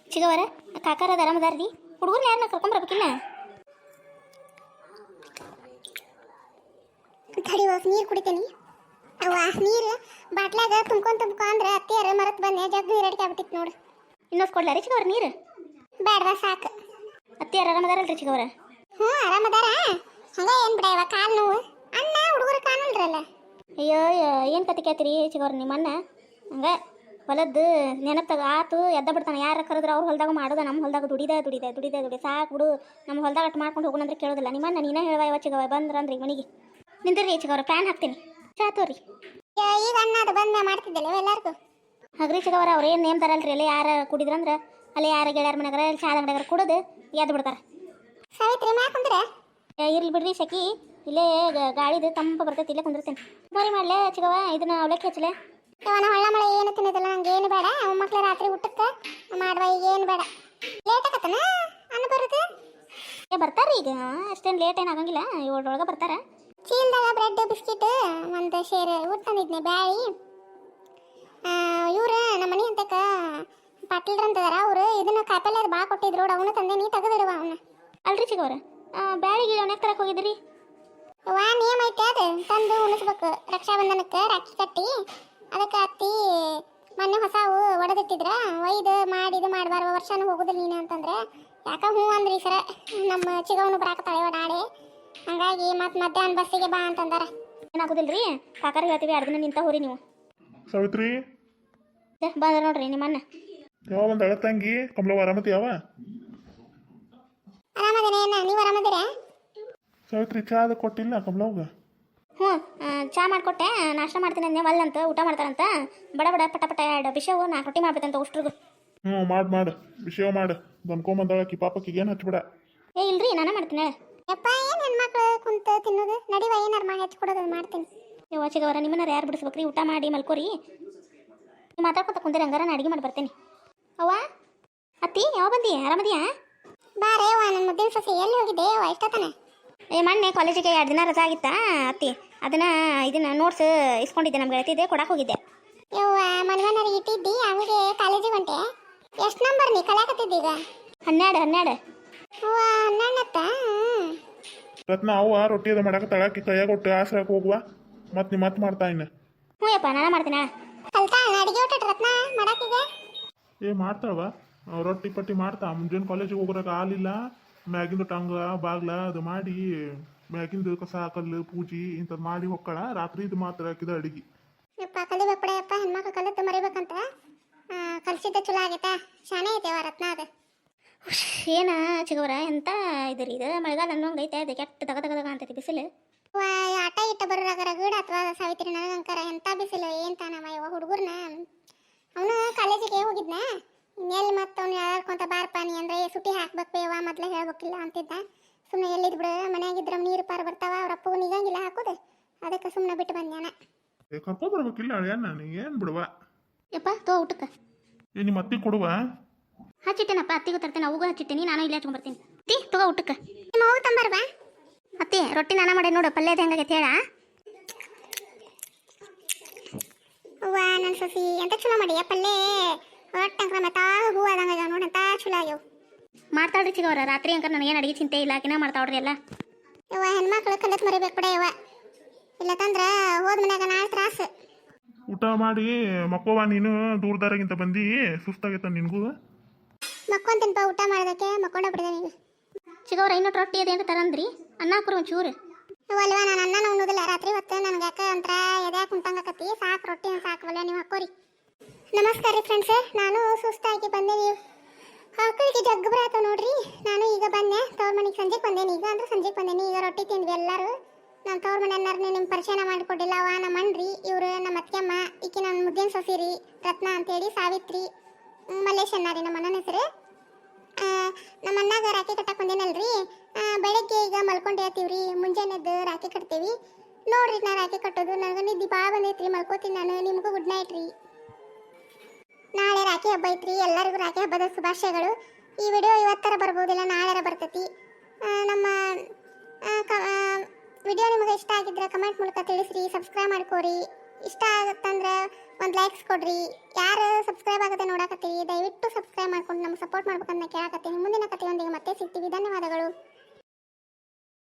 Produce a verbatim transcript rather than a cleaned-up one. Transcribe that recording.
ಚಿಗವರ ಕಾಕಾರ ಆರಾಮದಾರ್ರಿ ಹುಡುಗರು ಯಾರನ್ನ ಕರ್ಕೊಂಬರ್ಬೇಕಿಲ್ಲ ತಡಿ ಹೋಗಿ ನೀರು ಕುಡಿತೀನಿ. ಅವ್ವ ನೀರು ಬಾಟ್ಲಾಗ ತುಂಬ್ಕೊಂಡು ತುಂಬ್ಕೊ ಅಂದ್ರೆ ಅತ್ತಿಯರ ಮರತ್ ಬಂದೆ ಜಗ್ಗು ನೀರಡಿಕೆ ಆಗ್ಬಿಟ್ಟಿತ್ತು ನೋಡು. ಇನ್ನೊಂದು ಕೊಡ್ಲಾರಿ ಚಿಗವರ ನೀರು? ಬೇಡವಾ ಸಾಕು. ಅತ್ತಿಯಾರ ಆರಾಮದಾರಲ್ರಿ ಚಿಗವರ? ಹ್ಞೂ ಆರಾಮದಾರ. ಹಂಗ ಏನು ಬಿಡ ಇವ ಕಾಲು ನೋವು ಅಣ್ಣ ಹುಡುಗರು ಕಾಣಲ್ರಲ್ಲ. ಅಯ್ಯೋ ಏನು ಕತೆ ಕೇಳ್ತೀರಿ ಚಿಗವರ ನಿಮ್ಮ ಅಣ್ಣ ಹಂಗ ಹೊಲದ್ದು ನೆನಪಾಗ ಆತು ಎದ್ದ ಬಿಡ್ತಾನೆ. ಯಾರು ಕರೆದ್ರೆ ಅವ್ರು ಹೊಲದಾಗ ಮಾಡೋದ, ನಮ್ಮ ಹೊಲದಾಗ ದುಡಿದ ದುಡಿದ ದುಡಿದ ದುಡಿ ಸಾಕು ಬಿಡು, ನಮ್ಮ ಹೊಲದಾಗ ಅಟ್ಟು ಮಾಡ್ಕೊಂಡು ಹೋಗೋಣಂದ್ರೆ ಕೇಳೋದಿಲ್ಲ. ನಿಮ್ಮನ್ನ ನೀನೇ ಹೇಳುವ ಯಾವ ಚಿಗವ ಬಂದ್ರಂದ್ರಿ ಮನೆಗೆ ನಿಂದ್ರಿ ಚಿಗವರ ಪ್ಯಾನ್ ಹಾಕ್ತೀನಿ ಚಾ ತೋರಿ. ಈಗ ಅಣ್ಣ ಅದು ಬಂದ ಮಾಡ್ತಿದ್ದಲ್ಲ ಎಲ್ಲರಿಗೂ ಹಗ್ರಿ ಚಿಗವರ ಅವ್ರು ಏನು ನೇಮ್ ತರಲ್ರಿ ಅಲ್ಲಿ ಯಾರು ಕುಡಿದ್ರಂದ್ರೆ ಅಲ್ಲಿ ಯಾರ ಗೆಳೆಯರ ಮನೆಗಾರ ಇಲ್ಲಿ ಚಾದ ಅಂಗಡಿಯಾರ ಕುಡಿದು ಎದ್ದು ಬಿಡ್ತಾರೆ. ಸಾವಿತ್ರಿ ಮ್ಯಾಕ್ ಕುಂದ್ರೆ ಇರ್ಲಿ ಬಿಡ್ರಿ ಸಖಿ, ಇಲ್ಲೇ ಗಾಳಿದು ತಂಪು ಬರ್ತೈತಿ, ಇಲ್ಲೇ ಕುಂದಿರ್ತೇನೆ. ಮರಿ ಮಾಡ್ಲೆ ಚಿಗವ ಇದನ್ನ ಅವಲಕ್ಕಿ ಹಚ್ಚಲೆ. ಇವನ ಹೊಳ್ಳ ಮಳೆ ಏನು ತಿನ್ನೋದಿಲ್ಲ ನಂಗೆ ಏನು ಬೇಡ. ಮಕ್ಳು ರಾತ್ರಿ ಊಟಕ್ಕೆ ಮಾಡುವ ಈಗ ಏನು ಬೇಡ. ಲೇಟ್ ಆಗತ್ತನ ಅನ್ನ ಬರುತ್ತೆ. ಏ ಬರ್ತಾರ್ರಿ ಈಗ ಅಷ್ಟೇನು ಲೇಟ್ ಏನು ಆಗಂಗಿಲ್ಲ, ಏಳರೊಳಗೆ ಬರ್ತಾರ. ಚೀಲ್ದಾಗ ಬ್ರೆಡ್ ಬಿಸ್ಕಿಟ್ ಒಂದು ಶೇರ್ ಊಟ ತಂದಿದ್ನಿ ಬ್ಯಾಳಿ. ಇವ್ರು ನಮ್ಮ ಮನೆ ಅಂತಕ್ಕ ಪಾಟೀಲ್ರು ಅಂತದಾರ ಅವರು ಇದನ್ನ ಕಾಯಿಪಲ್ಲೆ ಅದು ಭಾಳ ಕೊಟ್ಟಿದ್ರು ಅವನು ತಂದೆ ನೀ ತೆಗೆದಿಡುವ ಅವನ್ನ. ಅಲ್ರಿ ಚಿಗವರ ಬ್ಯಾಳಿಗೆ ಅವನ್ಯಾಕೆ ತರಕ್ಕೆ ಹೋಗಿದ್ರಿ? ವಾ ನಿಯಮ ಐತೆ ಅದು ತಂದು ಉಣಿಸ್ಬೇಕು ರಕ್ಷಾಬಂಧನಕ್ಕೆ ರಾಖಿ ಕಟ್ಟಿ. ಅದಕ್ಕೆ ಅತ್ತಿ ಮೊನ್ನೆ ಹೊಸವು ಒಡೆದಿಟ್ಟಿದ್ರ ಒಯ್ದು ಮಾಡಿ ಇದು ಮಾಡಬಾರ್ವ ವರ್ಷನೂ ಹೋಗುದಿಲ್ಲ ನೀನು ಅಂತಂದ್ರೆ ಯಾಕೆ ಹ್ಞೂ ಅಂದ್ರಿ ಸರ ನಮ್ಮ ಚಿಗವನು ಬರಾಕತ್ತಾಳೆ ಓಡಾಡಿ. ಹಂಗಾಗಿ ಮತ್ತೆ ಮಧ್ಯಾಹ್ನ ಬಸ್ಸಿಗೆ ಬಾ ಅಂತಂದಾರ. ಏನಾಗೋದಿಲ್ರಿ ಕಾಕಾರ ಹೇಳ್ತೀವಿ ಎರಡು ದಿನ ನಿಂತ ಹೋರಿ ನೀವು. ಸಾವಿತ್ರಿ ಬಂದ್ರ ನೋಡ್ರಿ ನಿಮ್ಮನ್ನ. ಯಾವ ಒಂದು ಅಳತಂಗಿ ಕಮಲವ ಆರಾಮತಿ ಯಾವ? ಆರಾಮದೇನ ನೀವು ಆರಾಮದಿರ? ಸಾವಿತ್ರಿ ಚಾ ಅದು ಕೊಟ್ಟಿಲ್ಲ ಕಮಲವ್ಗ? ಹ್ಞೂ ಚಾ ಮಾಡಿಕೊಟ್ಟೆ, ನಾಷ್ಟ ಮಾಡ್ತೀನಿ ಅಂದೆ ಒಲ್ಲಂತ ಊಟ ಮಾಡ್ತಾರಂತ ಬಡ ಬಡ ಪಟ ಪಟ ಎರಡು ಬಿಷವು ನಾಲ್ಕು ರೊಟ್ಟಿ ಮಾಡ್ಬೇಕಂತ ಉಷ್ಟ್ರಿಗೂ. ಹ್ಞೂ ಮಾಡಿ ಮಾಡು ವಿಷಯ ಮಾಡು ಬಂದ್ಕೊಂಬಂದಳಕಿ ಪಾಪಕ್ಕಿಗೆ ಏನು ಹಚ್ಬಿಡ. ಏ ಇಲ್ರಿ ನಾನೇ ಮಾಡ್ತೀನಿ. ಯಪ್ಪ ಏನು ಹೆಣ್ಮಕ್ಳು ಕುಂತು ತಿನ್ನೋದು ನಡಿವ ಏನಾರು ಮಾಡಿ ಹಚ್ಕೊಡೋದು ಮಾಡ್ತೀನಿ. ನೀವು ಚಿಗವರ ನಿಮ್ಮನ್ನ ಯಾರು ಬಿಡಿಸ್ಬೇಕ್ರಿ? ಊಟ ಮಾಡಿ ಮಲ್ಕೋರಿ, ನೀವು ಮಾತಾಡ್ಕೊತ ಕುಂದಿರಿ ಹಂಗಾರ ನಾ ಅಡಿಗೆ ಮಾಡಿ ಬರ್ತೇನೆ. ಅವ್ವ ಅತ್ತಿ ಯಾವ ಬಂದಿ? ಆರಾಮದಿಯಾ? ಬಾರೇ ವಾ ನನ್ನ ಮುದ್ದಿನ ಸಸಿ ಎಲ್ಲಿ ಹೋಗಿದ್ದೆ ವಾ ಇಷ್ಟತನ? ಏ ಮೊನ್ನೆ ಕಾಲೇಜಿಗೆ ಎರಡು ದಿನ ರಜಾ ಆಗಿತ್ತಾ ಅತ್ತಿ, ಅದನ್ನ ಇದನ್ನ ನೋಟ್ಸ್ ಇಸ್ಕೊಂಡಿದ್ದೆ ನಮ್ಗೆ ಹೇಳ್ತಿದ್ದೆ ಕೊಡಕ್ಕೆ ಹೋಗಿದ್ದೆ. ಯವ್ವ ಮನ್ವನರಿಗೆ ಇಟ್ಟಿದ್ದಿ ಅವಿಗೆ ಕಾಲೇಜಿಗೆ ಹೊಂಟೆ. ಎಷ್ಟು ನಂಬರ್ ನೀ ಕಲಿಯಾಕತ್ತಿದ್ದೀಗ? ಹನ್ನೆರಡು ಹನ್ನೆರಡು ಅವ್ವ ಹನ್ನೆರಡತ್ತ. ರತ್ನ ಅವ್ವ ರೊಟ್ಟಿ ಅದು ಮಾಡಕ್ಕೆ ತಳಕಿ ಕೈಯಾಗ ಕೊಟ್ಟು ಆಸರಾಕ ಹೋಗುವ ಮತ್ತೆ ನೀ ಮತ್ತೆ ಮಾಡ್ತಾ ಇನ್ನ. ಹ್ಞೂ ಯಪ್ಪ ನಾನು ಮಾಡ್ತೀನಿ. ಕಲ್ತಾಳ ಅಡಿಗೆ ಊಟ ರತ್ನ ಮಾಡಾಕೀಗ? ಏ ಮಾಡ್ತಾಳವ ರೊಟ್ಟಿ ಪಟ್ಟಿ ಮಾಡ್ತಾ. ಮುಂಜಾನೆ ಕಾಲೇಜಿಗೆ ಹೋಗೋರಾಗ ಹಾಲಿಲ್ಲ, ಮ್ಯಾಗಿಂದು ಟಂಗ ಬಾಗ್ಲ ಅದು ಮಾಡಿ ಮ್ಯಾಗಿಂದು ಕಸ ಕಲ್ಲು ಪೂಜಿ ಇಂಥದ್ದು ಮಾಡಿ ಹೊಕ್ಕಳ. ರಾತ್ರಿ ಇದು ಮಾತ್ರ ಹಾಕಿದ ಅಡಿಗೆ. ಯಪ್ಪ ಕಲಿಬೇಕು ಬಿಡ ಯಪ್ಪ, ಹೆಣ್ಮಕ್ಳು ಕಲಿತು ಮರಿಬೇಕಂತ ಕಲಿಸಿದ್ದ ಚಲೋ ಆಗೈತಾ. ಶಾನೆ ಐತೆ ಅವ ರತ್ನ ಅದು. ಏನ ಚಿಗವರ ಎಂತ ಇದ್ರಿ ಇದು ಮಳೆಗಾಲ ಅನ್ನೋಂಗೆ ಐತೆ, ಅದು ಕೆಟ್ಟ ತಗ ತಗದಾಗ ಅಂತೈತಿ ಬಿಸಿಲು. ವಾ ಆಟ ಇಟ್ಟ ಬರೋರಾಗ ರಗಡ ಅಥವಾ ಸಾವಿತ್ರಿ ನನಗಂಕರ ಎಂತ ಬಿಸಿಲು ಏನ್ ತಾನವ ಯವ ಹುಡುಗರ್ನ. ಅವನು ಕಾಲೇಜಿಗೆ ಹೋಗಿದ್ನ ಇನ್ನೆಲ್ಲಿ ಮತ್ತೆ ಅವ್ನು ಯಾರ್ಕೊಂತ ಬಾರಪ್ಪ ನೀ ಅಂದ್ರೆ ಸುಟ್ಟಿ ಹಾಕ್ಬೇಕು ಬೇವ ಮೊದ್ಲೇ ಹೇಳ್ಬೇಕಿಲ್ಲ ಅಂತಿದ್ದ. ಸುಮ್ಮನೆ ಎಲ್ಲಿದ್ ಬಿಡು ಮನ್ಯಾಗಿದ್ರ ನೀರು ಪಾರು ಬರ್ತಾವ ಅವ್ರ ಅಪ್ಪಗೂ ನಿಗಂಗಿಲ್ಲ ಹಾಕೋದು, ಅದಕ್ಕೆ ಸುಮ್ಮನೆ ಬಿಟ್ಟು ಬಂದ್ಯಾನ. ಏ ಕರ್ಕೊಂಡ್ ಬರ್ಬೇಕಿಲ್ಲ ಅಳಿಯನ್ನ ನೀ ಏನು ಬಿಡುವ. ಯಪ್ಪ ತೋ ಊಟಕ್ಕೆ ಏ ನಿಮ್ಮ ಅತ್ತಿ ಕೊಡುವ. ಹಚ್ಚಿಟ್ಟೇನಪ್ಪ ಅತ್ತಿಗೂ ತರ್ತೇನೆ, ಅವುಗೂ ಹಚ್ಚಿಟ್ಟೇನಿ, ನಾನು ಇಲ್ಲೇ ಹಚ್ಕೊಂಡ್ಬರ್ತೀನಿ. ಅತ್ತಿ ತಗೋ ಊಟಕ್ಕೆ. ನಿಮ್ಮ ಹೋಗಿ ತಂಬರ್ವಾ? ಅತ್ತಿ ರೊಟ್ಟಿ ನಾನು ಮಾಡಿ ನೋಡು ಪಲ್ಯದ ಹೆಂಗಾಗೈತೆ ಹೇಳ. ಅವ್ವ ನನ್ನ ಸಸಿ ಎಂತ ಚಲೋ ಮಾಡಿ ಪಲ್ಲೆ ಒಟ್ಟಂಕ್ರ ಮತ್ತ ಹೂ ಆದಂಗ ನೋಡಂತ ಚಲೋ ಆಗ್ಯವು. ಮಾಡ್ತಾಳ್ರಿ ಚಿಗವರ ರಾತ್ರಿ ಅಂಕ ನನಗೇನು ಅಡಿಗೆ ಚಿಂತೆ ಇಲ್ಲ, ಆಕಿನ ಮಾಡ್ತಾವ್ರಿ ಎಲ್ಲ. ಯವ್ವ ಹೆಣ್ಮಕ್ಳು ಕಲಿತ್ ಮರಿಬೇಕು ಬಿಡ ಯವ್ವ, ಇಲ್ಲ ತಂದ್ರ ಹೋದ ಮನ್ಯಾಗ ನಾಳೆ ತ್ರಾಸು. ಊಟ ಮಾಡಿ ಮಕ್ಕವ ನೀನು ದೂರದಾರಾಗಿಂತ ಬಂದು ಸುಸ್ತಾಗೈತ ನಿನಗೂ. ಮಕ್ಕೊಂತೀನಪ್ಪ ಊಟ ಮಾಡೋದಕ್ಕೆ ಮಕ್ಕೊಂಡ ಬಿಡಿದೆ ನೀವು. ಚಿಗವರ ಇನ್ನೊಟ್ಟು ರೊಟ್ಟಿ ಅದೇನು ತರಂದ್ರಿ ಅನ್ನ ಹಾಕ್ರು ಒಂಚೂರು. ಅಲ್ವಾ ನಾನು ಅನ್ನನ ಉಣ್ಣೋದಿಲ್ಲ ರಾತ್ರಿ ಹೊತ್ತು, ನನಗೆ ಯಾಕೆ ಒಂಥರ ಎದ್ಯಾಕ ಕುಂತಂಗಕತ್ತಿ. ಸಾಕು ರೊಟ್ಟಿನ ಸಾಕವಲ್ಲ ನೀವು ಹಾಕೋರಿ. ನಮಸ್ಕಾರ ರೀ ಫ್ರೆಂಡ್ಸ್, ನಾನು ಸುಸ್ತಾಗಿ ಬಂದೆ. ನೀವು ಹಾಕೋಳಿಗೆ ಜಗ್ಗು ಬರತ್ತ ನೋಡ್ರಿ. ನಾನು ಈಗ ಬಂದೆ ತವ್ರ ಮನೆಗೆ, ಸಂಜೆಗೆ ಬಂದೇನಿ ಈಗ ಅಂದ್ರೆ ಸಂಜೆಗೆ ಬಂದೇನಿ. ಈಗ ರೊಟ್ಟಿ ತಿಂದ್ವಿ ಎಲ್ಲರೂ. ನಾನು ತವ್ರ ಮನೆ ಅನ್ನೋರ್ನೇ ನಿಮ್ಮ ಪರಿಚಯನ ಮಾಡಿಕೊಟ್ಟಿಲ್ಲ. ಅವ ನಮ್ಮ ಅಣ್ಣ್ರಿ, ಇವರು ನಮ್ಮ ಅತ್ತೆಮ್ಮ, ಈಕಿ ನನ್ನ ಮುದ್ದಿನ ಸೊಸಿರಿ ರತ್ನ ಅಂತೇಳಿ, ಸಾವಿತ್ರಿ ಮಲ್ಲೇಶ್ ಅನ್ನ ರೀ ನಮ್ಮ ಅಣ್ಣನ ಹೆಸರು. ನಮ್ಮ ಅಣ್ಣಾಗ ರಾಖಿ ಕಟ್ಟಕ್ಕೆ ಬಂದೇನಲ್ರಿ. ಬೆಳಗ್ಗೆ ಈಗ ಮಲ್ಕೊಂಡು ಹೇಳ್ತೀವ್ರಿ, ಮುಂಜಾನೆದ್ದು ರಾಖಿ ಕಟ್ತೀವಿ ನೋಡ್ರಿ. ನಾ ರಾಖಿ ಕಟ್ಟೋದು ನನಗೆ ನಿದ್ದೆ ಭಾಳ ಬಂದೈತ್ರಿ, ಮಲ್ಕೋತೀನಿ ನಾನು. ನಿಮಗೂ ಗುಡ್ ನೈಟ್ ರೀ. ನಾಳೆ ರಾಖಿ ಹಬ್ಬ ಐತ್ರಿ, ಎಲ್ಲರಿಗೂ ರಾಖಿ ಹಬ್ಬದ ಶುಭಾಶಯಗಳು. ಈ ವಿಡಿಯೋ ಇವತ್ತರ ಬರ್ಬೋದಿಲ್ಲ, ನಾಳೆರ ಬರ್ತೈತಿ. ನಮ್ಮ ವಿಡಿಯೋ ನಿಮಗೆ ಇಷ್ಟ ಆಗಿದ್ರೆ ಕಮೆಂಟ್ ಮೂಲಕ ತಿಳಿಸ್ರಿ, ಸಬ್ಸ್ಕ್ರೈಬ್ ಮಾಡ್ಕೋರಿ. ಇಷ್ಟ ಆಗುತ್ತಂದ್ರೆ ಒಂದು ಲೈಕ್ಸ್ ಕೊಡ್ರಿ. ಯಾರು ಸಬ್ಸ್ಕ್ರೈಬ್ ಆಗದೆ ನೋಡಕತ್ತೀವಿ ದಯವಿಟ್ಟು ಸಬ್ಸ್ಕ್ರೈಬ್ ಮಾಡ್ಕೊಂಡು ನಮ್ಗೆ ಸಪೋರ್ಟ್ ಮಾಡ್ಬೇಕಂತ ಕೇಳಕತ್ತೀನಿ. ಮುಂದಿನ ಕಥೆಯೊಂದಿಗೆ ಮತ್ತೆ ಸಿಗ್ತೀವಿ. ಧನ್ಯವಾದಗಳು.